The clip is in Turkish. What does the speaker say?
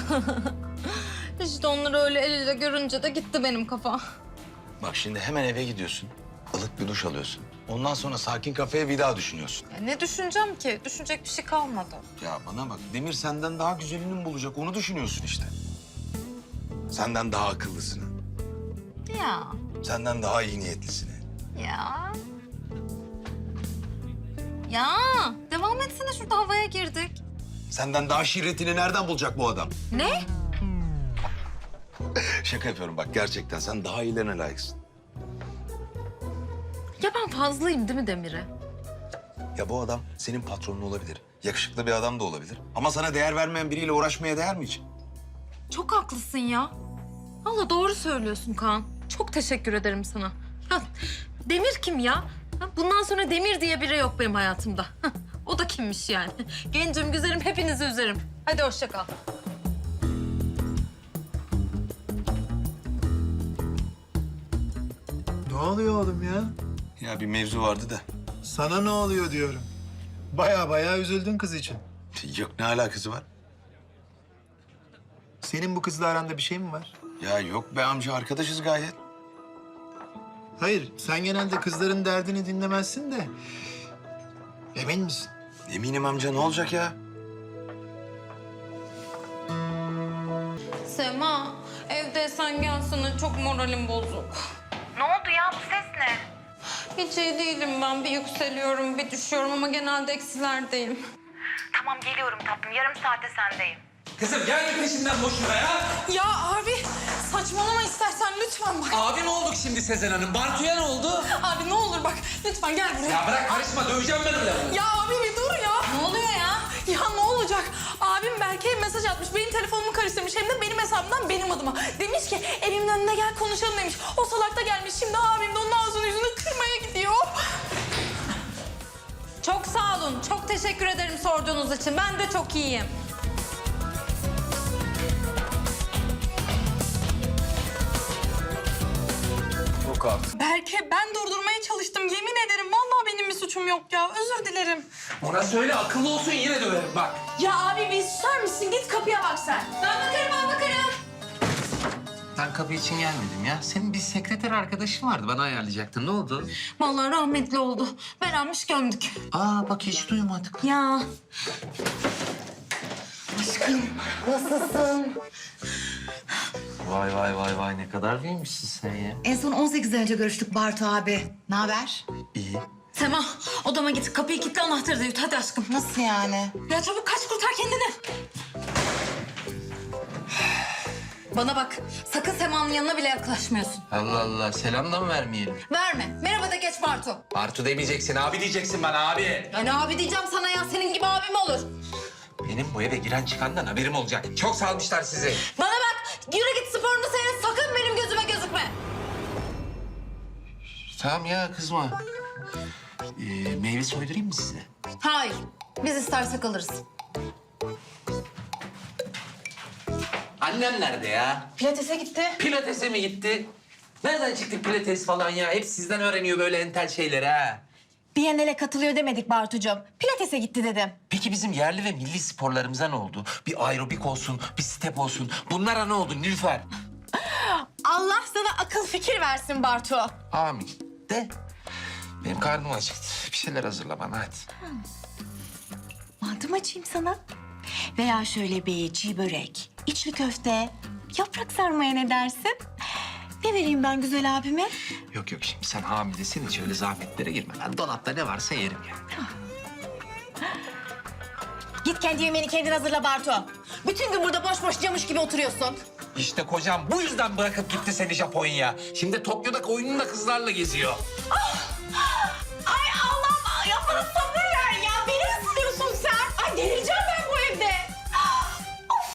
İşte onları öyle el ele görünce de gitti benim kafa. Bak şimdi hemen eve gidiyorsun. Ilık bir duş alıyorsun. Ondan sonra sakin kafeye bir daha düşünüyorsun. Ya ne düşüneceğim ki? Düşünecek bir şey kalmadı. Ya bana bak, Demir senden daha güzelini mi bulacak onu düşünüyorsun işte. Senden daha akıllısını, Ya. senden daha iyi niyetlisini. Ya. Ya. Devam etsene, şurada havaya girdik. Senden daha şirretini nereden bulacak bu adam? Ne? Şaka yapıyorum bak, gerçekten sen daha iyilerine layıksın. Ya ben fazlayım değil mi Demir'e? Ya bu adam senin patronun olabilir. Yakışıklı bir adam da olabilir. Ama sana değer vermeyen biriyle uğraşmaya değer mi hiç? Çok haklısın ya. Vallahi doğru söylüyorsun Kaan. Çok teşekkür ederim sana. Ya, Demir kim ya? Ha, bundan sonra Demir diye biri yok benim hayatımda. Hah, o da kimmiş yani? Gencim, güzelim, hepinizi üzerim. Hadi hoşça kal. Ne oluyor oğlum ya? Ya bir mevzu vardı da. Sana ne oluyor diyorum. Baya üzüldün kız için. Yok, ne alakası var? Senin bu kızla aranda bir şey mi var? Ya yok be amca, arkadaşız gayet. Hayır, sen genelde kızların derdini dinlemezsin de... Emin misin? Eminim amca, ne olacak ya? Sema, evdeysen gelsene. Çok moralim bozuk. Ne oldu ya, bu ses ne? Hiç iyi değilim ben. Bir yükseliyorum, bir düşüyorum ama genelde eksilerdeyim. Tamam, geliyorum tatlım. Yarım saate sendeyim. Kızım gelme peşinden boşuna ya. Ya abi, saçmalama istersen lütfen bak. Abi ne olduk şimdi Sezen Hanım? Bartu'ya ne oldu? Abi ne olur bak, lütfen gel buraya. Ya bırak karışma, döveceğim ben öyle. Ya abi bir dur ya. Ne oluyor ya? Ya ne olacak? Abim Berke'ye mesaj atmış. Benim telefonumu karıştırmış. Hem de benim hesabımdan benim adıma. Demiş ki evimin önüne gel konuşalım demiş. O salak da gelmiş. Şimdi abim de onun ağzını yüzünü kırmaya gidiyor. Çok sağ olun. Çok teşekkür ederim sorduğunuz için. Ben de çok iyiyim. Yok artık. Berke ben durdurmaya çalıştım. Yemin ederim vallahi benim bir suçum yok ya. Özür dilerim. Ona söyle akıllı olsun, yine döverim bak. Ya abi bir susar mısın? Git kapıya bak sen. Ben bakarım. Ben kapı için gelmedim ya. Senin bir sekreter arkadaşın vardı. Bana ayarlayacaktın. Ne oldu? Vallahi rahmetli oldu. Beğenmiş gömdük. Aa bak hiç duymadık. Ya. Aşkım nasılsın? Vay ne kadar büyümüşsün sen ya. En son 18 ay önce görüştük Bartu abi. Ne haber? İyi. Sema odama git kapıyı kilitle anahtarı da yut hadi aşkım. Nasıl yani? Ya çabuk kaç kurtar kendini. Bana bak sakın Sema'nın yanına bile yaklaşmıyorsun. Allah Allah selam da mı vermeyelim? Verme. Merhaba da geç Bartu. Bartu demeyeceksin abi diyeceksin bana abi. Yani abi diyeceğim sana ya senin gibi abim olur. Benim bu eve giren çıkandan haberim olacak. Çok salmışlar sizi. Bana bak yürü git sporunu seyret sakın benim gözüme gözükme. Tamam ya kızma. Meyve soydurayım mı size? Hayır biz istersek alırız. Annem nerede ya? Pilates'e gitti. Pilates'e mi gitti? Nereden çıktı pilates falan ya? Hep sizden öğreniyor böyle entel şeyleri ha. Biennale katılıyor demedik Bartucuğum. Pilates'e gitti dedim. Peki bizim yerli ve milli sporlarımıza ne oldu? Bir aerobik olsun, bir step olsun. Bunlara ne oldu Nilüfer? Allah sana akıl fikir versin Bartu. Amin. De benim karnım acıktı. Bir şeyler hazırla bana hadi. Mantı mı açayım sana? Veya şöyle bir çiğ börek, içli köfte, yaprak sarmaya ne dersin? Ne vereyim ben güzel abime? Yok şimdi sen hamilesin hiç öyle zahmetlere girme. Ben dolapta ne varsa yerim ya. Git kendi yemeğini kendin hazırla Bartu. Bütün gün burada boş camış gibi oturuyorsun. İşte kocam bu yüzden bırakıp gitti seni Japonya'ya. Şimdi Tokyo'da oyununda kızlarla geziyor.